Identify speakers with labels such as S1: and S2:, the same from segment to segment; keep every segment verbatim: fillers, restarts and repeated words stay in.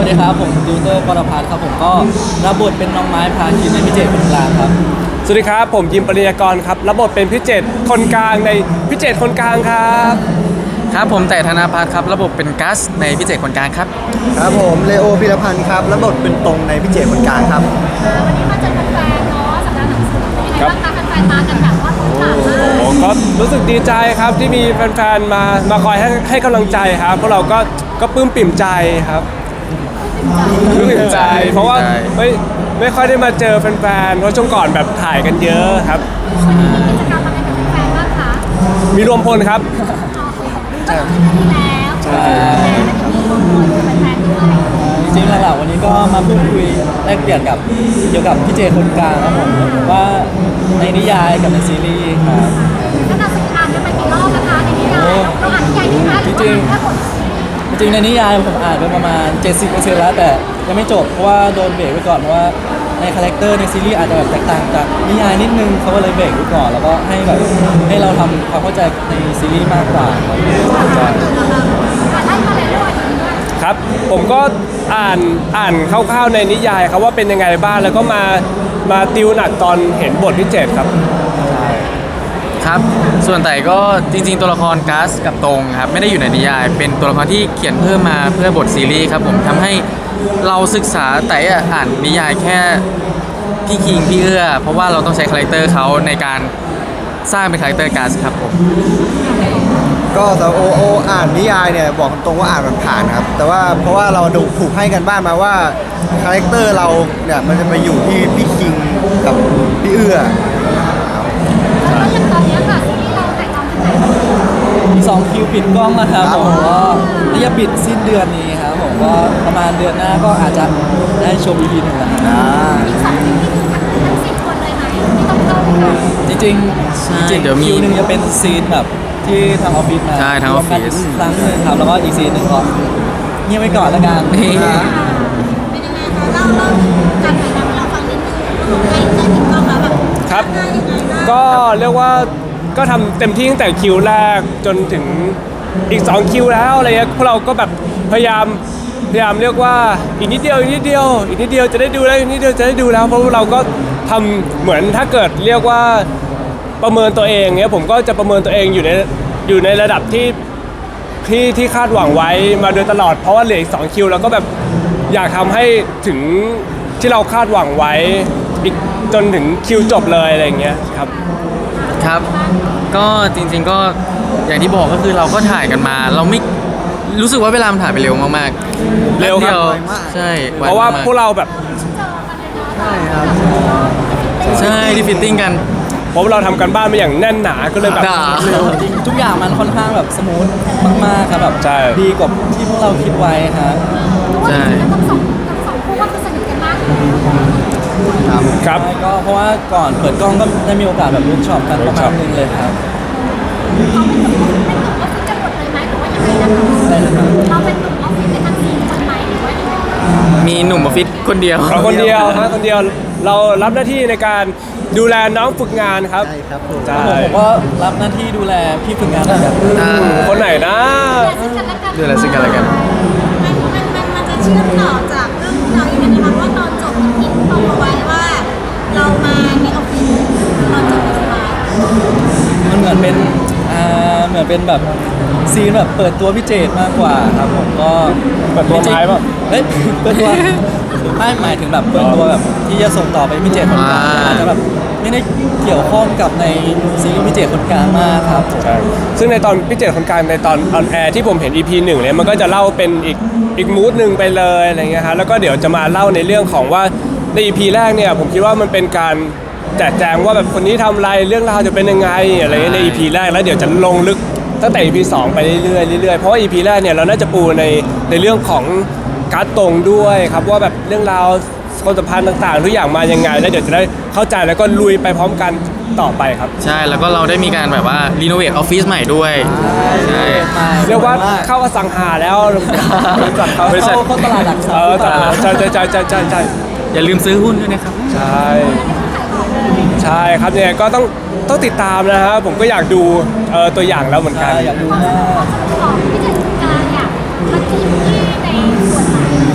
S1: ดีครับผมดิวเตอร์กรพัฒน์ครับผมก็รับบทเป็นน้องไม้พาคินในพิเจตคนกลางครับ
S2: สวัสดีครับผมยิมปริยากรครับรับบทเป็นพิเจตคนกลางในพิเจตคนกลางครับ
S3: ครับผมแต่ธนาพัฒน์ครับระบบเป็นกัสในพิเศษคนกลางครับ
S4: ครับผมเลโอพิรพันธ์ครับรับบทเป็นตรงในพิเจตคนกลางครับ
S5: วันนี้มาเจอแฟนๆเนาะสัปดาห์หนังสือเป็นยังไงบ้างคะแฟนๆมากันแบบว่าล้นหลามมาก
S2: โอ้ก็รู้สึกดีใจครับที่มีแฟนๆมามาคอยให้ให้กำลังใจครับพวกเราก็ก็ปลื้มปิ่มใจครับปลื้มปิ่มใจเพราะว่าไม่ไม่ค่อยได้มาเจอแฟนๆเพราะช่วงก่อนแบบถ่ายกันเยอะครับ
S5: วันนี้มีกิจกรรมอะไรกับแฟนๆบ้างคะ
S2: มีรวมพลครับ
S5: ก็คือนาทีแล้วใช่แล้วมีคนคุยกับแฟนๆด้วย
S1: จริงๆหลักๆวันนี้ก็มาพูดคุยแลกเปลี่ยนกับเกี่ยวกับพิเจตคนกลางครับผมว่าในนิยายกับในซีรีส์ครับ
S5: แล้วเราสักอ่านกันไปกี่รอบนะคะในนิยายเราอ่านนิยายดีไหมหรือว่าแค่บท
S1: จริงๆในนิยายผมอ่านไปประมาณ เจ็ดสิบเปอร์เซ็นต์ แล้วแต่ยังไม่จบเพราะว่าโดนเบรกไว้ก่อนเพราะว่าในคาแรคเตอร์ในซีรีส์อาจจะแบบแตกต่างจากนิยายนิดนึงเขาก็เลยเบรกไว้ก่อนแล้วก็ให้แบบให้เราทำความเข้าใจในซีรีส์มากกว่าครับใช่
S5: อ่านได้มาเลยด้วย
S2: ครับผมก็อ่านอ่านคร่าวๆในนิยายครับว่าเป็นยังไงบ้างแล้วก็มามาติวหนักตอนเห็นบทพิเจตครับ
S3: ครับส่วนแต่ก็จริงๆตัวละครกัสกับตรงครับไม่ได้อยู่ในนิยายเป็นตัวละครที่เขียนเพิ่มมาเพื่อบทซีรีส์ครับผมทำให้เราศึกษาแต่อ่านนิยายแค่พี่คิงพี่เอื้อเพราะว่าเราต้องใช้คาแรคเตอร์เขาในการสร้างเป็นคาแรคเตอร์กัสครับผม
S4: ก็แต่โอโออ่านนิยายเนี่ยบอกตรงว่าอ่านผ่านๆครับแต่ว่าเพราะว่าเราดูถูกให้กันบ้านมาว่าคาแรคเตอร์เราเนี่ยมันจะไปอยู่ที่พี่คิงกับพี่เอื้อ
S5: แล้วอย่างตอนนี้ค่ะซีรีส์เราถ่ายทำถึงไหนแล้ว
S1: มีสองคิวปิดกล้องนะครับผมก็น่าจะปิดสิ้นเดือนนี้ครับผมก็ประมาณเดือนหน้าก็อาจจะได้ชม อี พี หนึ่งแล้วครับ
S5: อีกสองทีมนี่คือทั้งทั้งสิบคนเลยไหมที่ต้องเข้าเลยค่ะ
S1: จริงๆ
S3: ใช่
S1: จริงๆ
S3: เดี๋ยวมี
S1: คิวหนึ่งจะเป็นซีนแบบที่ทางออฟฟิศมา
S3: ใช่ทางออฟฟิศ
S1: รวมกันครั้งหนึงครับแล้วก็อีกซีนหนึ่งก็เงียบไว้ก่อนละกัน
S5: เป็นยังไงคะเล่าเล่าถึงการถ่ายทำให้เราฟังนิดนึงใกล้ใกล้ถึงกล้องแล้วแบบ
S2: ครับ
S5: ง่ายยังไงบ้าง
S2: ก็เรียกว่าก็ทำเต็มที่ตั้งแต่คิวแรกจนถึงอีกสองคิวแล้วอะไรเงี้ยพวกเราก็แบบพยายามพยายามเรียกว่าอีกนิดเดียวอีกนิดเดียวอีกนิดเดียวจะได้ดูแล้วอีกนิดเดียวจะได้ดูแล้วเพราะเราก็ทำเหมือนถ้าเกิดเรียกว่าประเมินตัวเองเนี้ยผมก็จะประเมินตัวเองอยู่ในอยู่ในระดับที่ที่ที่คาดหวังไว้มาโดยตลอดเพราะว่าเหลืออีกสองคิวแล้วก็แบบอยากทำให้ถึงที่เราคาดหวังไว้อีกจนถึงคิวจบเลยอะไรอย่างเงี้ยครับ
S3: ครับก็จริงๆก็อย่างที่บอกก็คือเราก็ถ่ายกันมา เราไม่รู้สึกว่าเวลามันถ่ายไปเร็วมากๆ
S2: เร็วครับ
S3: แป๊บดีย
S4: ไวมาก
S3: ใช่ไ
S2: เพราะว่า
S3: มา
S2: พวกเราแบบ
S4: ใช่ครับ
S3: ใช่ที่ฟิตติ้งกัน
S2: เพราะว่าเราทำกันบ้านมาอย่างแน่นหนาก็เลยแบบ
S3: หนา
S2: เร็ว
S1: จริงๆทุกอย่างมันค่อนข้างแบบสมูทมากๆครับแบบ
S2: ใช่
S1: ดีกว่าที่พวกเราคิดไว้ครับ
S3: ใช่
S5: แล้วทั้งสองทั้งสองคู่ก็คือสนิทกันมากอยู่แล้ว
S4: ครับ
S2: ครับ
S1: ก็เพราะว่าก่อนเปิดกล้องก็ได้มีโอกาสแบบเวิร์กช็อปกันประมาณนึงเลยครับ
S5: เขาเป็นหนุ่มเป็นหนุ่มออฟฟิศกันหมดเลยไหมหรือว่ายังไงนะคะ
S1: ได้เลยครับ
S5: เราเป็นหนุ่มออฟฟิศกันทั้งสี่คนไหมหรือว่ายังไง
S3: มีหนุ่มออฟฟิศคนเดียว
S2: เราคนเดียวฮะคนเดียวเรารับหน้าที่ในการดูแลน้องฝึกงานครับ
S4: ใช่ครับผม
S2: ใช่
S1: ผมผมก็รับหน้าที่ดูแลพี่ฝึกงานเหมือนกัน
S3: อ่า
S2: คนไหนนะ
S5: ดูแลซึ่งกันและกัน
S3: ดูแลซึ่งกันและกัน
S5: มันมันมันมันจะเชื่อมต่อจากเรื่องเราอย่างนี้นะคะว่าตอนจบมันคิดบอกเอาไว้ว่า เรามาในออฟฟิศตอนจบสบาย
S1: มันเหมือนเป็นอ่าเหมือนเป็นแบบซีนแบบเปิดตัวพี่เจตมากกว่าครับผมก็
S2: เปิดตัวไม้ป่ะ
S1: เฮ้ยเปิดตัวไม่หมายถึงแบบเปิดตัวแบบที่จะส่งต่อไปพี่เจตคนกลาง
S3: อ่า
S1: อาจจะแบบไม่ได้เกี่ยวข้องกับในซีรีส์พี่เจตคนกลางมากครับ
S2: ใช่ซึ่งในตอนพิเจตคนกลางในตอนออนแอร์ที่ผมเห็น อี พี หนึ่งเนี่ยมันก็จะเล่าเป็นอีกอีกมูดหนึ่งไปเลยอะไรเงี้ยฮะแล้วก็เดี๋ยวจะมาเล่าในเรื่องของว่าใน อี พี แรกเนี่ยผมคิดว่ามันเป็นการแจกแจงว่าแบบคนนี้ทำอะไรเรื่องราวจะเป็นยังไงอะไรเงี้ยใน อี พี แรกแล้วเดี๋ยวจะลงลึกตั้งแต่ อี พี สองไปเรื่อยๆเรื่อยๆเพราะว่า อี พี แรกเนี่ยเราน่าจะปูในในเรื่องของการ์ดตรงด้วยครับว่าแบบเรื่องราวความสัมพันธ์ต่างๆทุกอย่างมายังไงแล้วเดี๋ยวจะได้เข้าใจแล้วก็ลุยไปพร้อมกันต่อไปครับ
S3: ใช่แล้วก็เราได้มีการแบบว่ารีโนเวทออฟฟิศใหม่ด้วยใช่
S2: เรียกว่าเข้าอสังหาแล้วบริษัทเขา
S3: บริษัท
S1: เข้าเข้าตลาดหลักทรัพ
S2: เอ
S1: ย์
S2: อ
S1: หรือเป
S2: แต่
S1: ล่า
S2: ใช่ใช่ใช่ใช่ใช่ใช่
S3: อย่าลืมซื้อหุ้นด้วยนะครับ
S2: ใช่ใช่ครับเนี่ยก็ต้องต้องติดตามนะฮะผมก็อยากดูเอ่อตัวอย่างแล้วเหมือนกัน
S1: ใช่อยากดูหน้า
S5: ของที่จะกลางอยากมาจิ้มที่ในส่วนไหน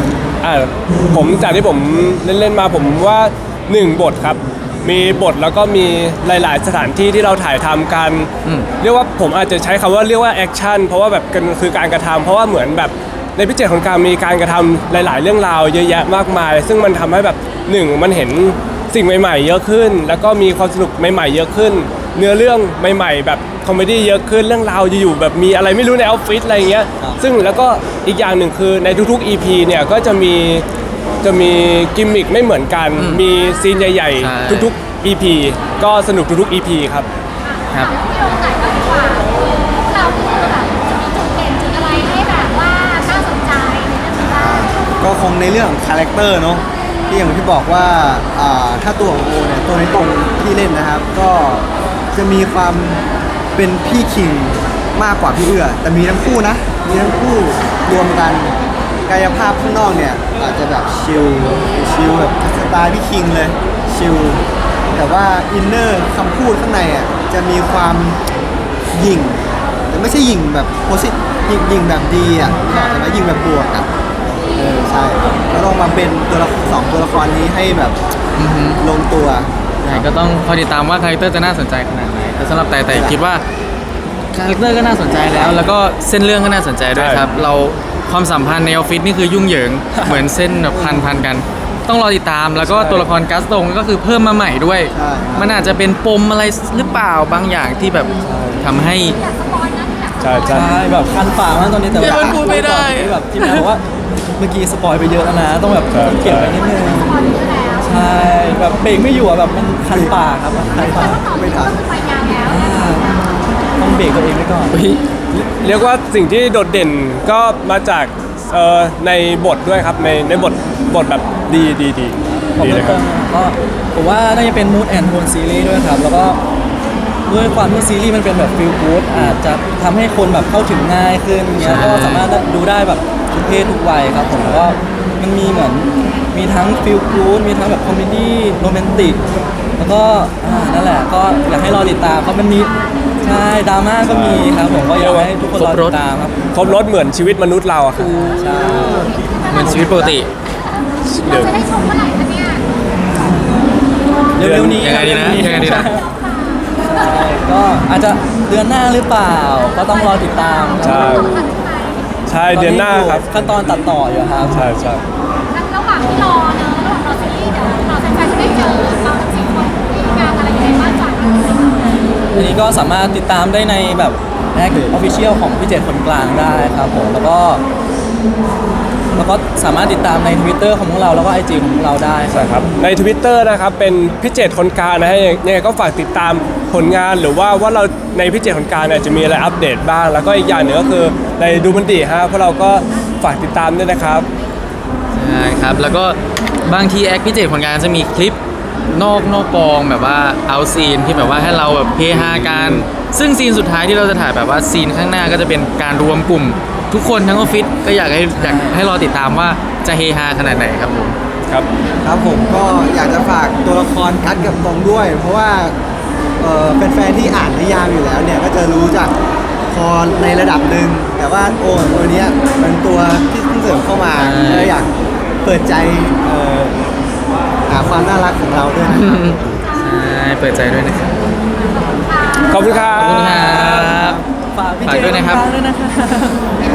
S2: อ่าผมจากที่ผมเล่นๆมาผมว่าหนึ่งบทครับมีบทแล้วก็มีหลายๆ สถานที่ที่เราถ่ายทำกัน
S3: อืม
S2: เรียกว่าผมอาจจะใช้คำว่าเรียกว่าแอคชั่นเพราะว่าแบบกันคือการกระทำเพราะว่าเหมือนแบบในพิเศษของการมีการกระทำหลาย ๆ เรื่องราวเยอะแยะมากมาย ซึ่งมันทำให้แบบหนึ่งมันเห็นสิ่งใหม่ ๆ เยอะขึ้น แล้วก็มีความสนุกใหม่ๆเยอะขึ้น เนื้อเรื่องใหม่ ๆ แบบคอมเมดี้เยอะขึ้นเรื่องราวอยู่ๆแบบมีอะไรไม่รู้ในออฟฟิศอะไรอย่างเงี้ยซึ่งแล้วก็อีกอย่างหนึ่งคือในทุกๆ อี พี เนี่ยก็จะมีจะมีกิมมิคไม่เหมือนกัน มีซีนใหญ่
S3: ใช่
S2: ๆ ทุกๆ อี พี ก็สนุกทุกๆ อี พี ครับ
S3: ครับ
S5: พี่โอไหนก็ดีกว่าเราคือแบบจะมีจุดเด่นจุดอะไรให้แบบว่าน่าสนใจในเรื่องนี้บ้าง
S4: ก็คงในเรื่องของคาแรคเตอร์เนาะที่อย่างที่บอกว่าอ่าถ้าตัวของโอเนี่ยตัวในตรงที่เล่นนะครับ ก็จะมีความเป็นพี่คิงมากกว่าพี่เอื้อแต่มีทั้งคู่นะมีทั้งคู่รวมกันกายภาพข้างนอกเนี่ยอาจจะแบบชิลชิลแบบสไตล์พี่คิงเลยชิลแต่ว่าอินเนอร์คำพูดข้างในอ่ะจะมีความหยิ่งแต่ไม่ใช่หยิ่งแบบโพสิหยิ่งหยิ่งแบบดีอ่ะแต่ว่าหยิ่งแบบบวกอ่ะ เออใช่ก็ต้องมาเป็นตัวละสองตัวละครนี้ให้แบบ
S3: อือฮึ
S4: ลงตัว
S3: ใช่ก็ต้องคอยติดตามว่าคาแรคเตอร์จะน่าสนใจขนาดไหนแต่สำหรับแต่แต่คิดว่าคาแรคเตอร์ก็น่าสนใจแล้ว แล้วก็เส้นเรื่องก็น่าสนใจด้วยครับ เราความสัมพันธ์ในออฟฟิศนี่คือยุ่งเหยิง เหมือนเส้นแบบพันพันกัน ต้องรอติดตามแล้วก็ตัวละครกัสตงก็คือเพิ่มมาใหม่ด้วย
S4: ใช่
S3: มันอาจจะเป็นปมอะไรหรือเปล่าบางอย่างที่แบบทำให้
S5: อยากสปอยนะอยากสป
S2: ใช่
S5: อย
S2: ใช่
S1: ใช่แบบคันปากมากตอนนี้แต่
S3: เดี๋ยวมันพูดไม่ได้
S1: ที่แบบทีมงานบอกว่าเมื่อกี้สปอยไปเยอะแล้วนะต้องแบบ
S2: ใช่
S1: ต้องเก็บไปนิดนึง
S5: สปอยเยอะแล้ว
S1: ใช่แบบเบรกไม่อยู่อะแบบมันคันปากครับมันคัน
S5: แต่
S1: ปาก
S5: ว่าต่อไปก็คือไปยาวแล้ว
S1: อ่าต้องเบรกตัวเองไว้ก่อน
S2: เรียกว่าสิ่งที่โดดเด่นก็มาจากเอ่อในบทด้วยครับในในบทบทแบบดีดีดี
S1: ผม
S2: ดีเล
S1: เพิ่
S2: ย
S1: ม
S2: ครั
S1: เติ
S2: บ
S1: มก็ผมว่าน่าจะเป็น mood and tone ซีรีส์ด้วยครับ แล้วก็ด้วยความที่ซีรีส์มันเป็นแบบ feel good อาจจะทำให้คนแบบเข้าถึงง่ายขึ้นเงี้ย
S3: ใช่
S1: ก็สามารถดูได้แบบทุกเพศทุกวัยครับผมแล้วก็มันมีเหมือนมีทั้ง feel good มีทั้งแบบคอมเมดี้โรแมนติกแล้วก็อ่านั่นแหละก็อยากให้รอติดตามเพราะมันมีใช่ดราม่าก็มีครับผมก็อยากให้ทุกคนรอติดตามครับ
S2: ครบรถเหมือนชีวิตมนุษย์เราอะครับ
S1: ใช่
S3: เหมือนชีวิตปกติ
S5: เราจะได้ชมเมื่อไหร่คะเนี่ย
S1: เร็วๆนี้
S3: ยังไงดีนะยังไงดีนะ
S1: ใช่ก็อาจจะเดือนหน้าหรือเปล่า ก็ต้องรอติดตาม
S2: ใช่
S5: ต้องทันไหม
S2: ใช่เดือนหน้าครับ
S1: ขั้นตอนตัดต่ออยู่ครับ
S2: ใช่ใช่
S5: ระหว่างที่รอเนอะระหว่างรอซีรีส์เดี๋ยวเราแฟนๆจะได้เจอเราทั้งสี่คนที่งานอะไรยังไงบ้างจากนี้
S1: อันนี้ก็สามารถติดตามได้ในแบบแอคออฟฟิเชียลของพี่เจตคนกลางได้ครับผมแล้วก็แล้วก็สามารถติดตามใน Twitter ของพวกเราแล้วก็ ไอ จี ของพวกเราได้ค
S2: ใช่
S1: รับ
S2: ครับใน Twitter นะครับเป็นพิเจตคนกลางนะฮะยังไงก็ฝากติดตามผลงานหรือว่าว่าเราในพิเจตคนกลางเนี่ยจะมีอะไรอัปเดตบ้าง แล้วก็อีกอย่างหนึ่งก็คือในดูมันดีฮะพวกเราก็ฝากติดตามด้วยนะครับ
S3: ใช่ครับ แล้วก็บางทีแอคพิเศษผลงานจะมีคลิปนอกนอกกองแบบว่าเอาซีนที่แบบว่าให้เราแบบเฮฮากันซึ่งซีนสุดท้ายที่เราจะถ่ายแบบว่าซีนข้างหน้าก็จะเป็นการรวมกลุ่ม ทุกคนทั้งออฟฟิศก็อยากให้อยากให้รอติดตามว่าจะเฮฮาขนาดไหนครับผม
S2: ครับ
S4: ครับผมก็อยากจะฝากตัวละครกัดกับตรงด้วย เพราะว่าเอ่อแฟนๆที่อ่านนิยามอยู่แล้วเนี่ยก็จะรู้จักพอในระดับหนึ่งแต่ว่าโอ้ตัวเนี้ยเป็นตัวที่เพิ่งเสริมเข้ามา
S3: ใช่
S4: ก็อยากเปิดใจเอ่อหาความน่ารักของเราด้วยนะครับ
S3: ใช่เปิดใจด้วยนะครับ
S2: ขอบคุณครั
S3: ขอบคุณครับ บ
S1: ฝากพี่
S3: ฝาก
S1: เจ
S3: ด้วยนะครับ
S1: คนกลางด้วยนะครับ